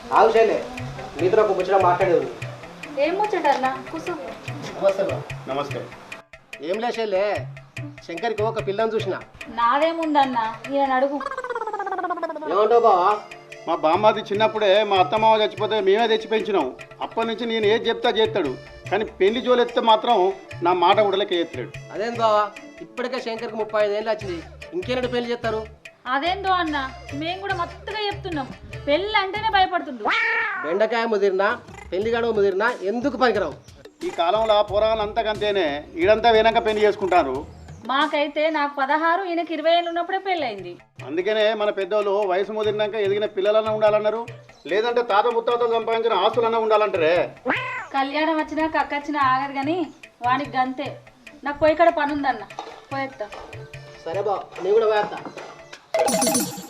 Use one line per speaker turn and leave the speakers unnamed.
ఆవుచేలే మీతో ఒక ముచ్చట మాట్లాడేది.
ఏం ముచ్చటన్నా కూర్చో.
నమస్తే బా.
నమస్తే.
ఏం లేచేలే, శంకర్కి ఒక పిల్లని చూసిన.
నాదేముందన్నా ఈయన అడుగు.
ఏమంటావు బావా?
మా బామ్మది చిన్నప్పుడే మా అత్తమావ చచ్చిపోతే మేమే తెచ్చి పెంచినాం. అప్పటి నుంచి నేను ఏది చెప్తా చేస్తాడు, కానీ పెళ్లి జోలెత్తే మాత్రం నా మాట ఉడలకే ఎత్తాడు.
అదేంది బావా, ఇప్పటికే శంకర్కి 35 ఏళ్ళు వచ్చింది, ఇంకేనాడు పెళ్లి చేస్తారు?
అదేందో అన్న మేము కూడా మత్తుగా చెప్తున్నాం, పెళ్ళి అంటేనే భయపడుతుండ్రు.
బెండకాయ ముదిరినా పెళ్లి గడువు ముదిరినా ఎందుకు పనికిరావు?
ఈ కాలంలో పోరాలు అంతకంతేనే ఈడంతా వేనాక పెళ్లి చేసుకుంటారు.
మాకైతే నాకు 16 ఈయనకి 20 ఏళ్ళు ఉన్నప్పుడే పెళ్ళయింది.
అందుకనే మన పెద్దోళ్ళు వయసు ముదిరినాక ఎదిగిన పిల్లలన్నా ఉండాలన్నారు, లేదంటే తాత ముత్తాతలు సంపాదించిన ఆస్తులన్నా ఉండాలంటారే.
కళ్యాణం వచ్చినా కక్కొచ్చినా ఆగదు కానీ వానికి గంతే. నాకు పోయి ఇక్కడ పని ఉందన్న, పోయేస్తా.
సరే బావ, నేను కూడా వేస్తా.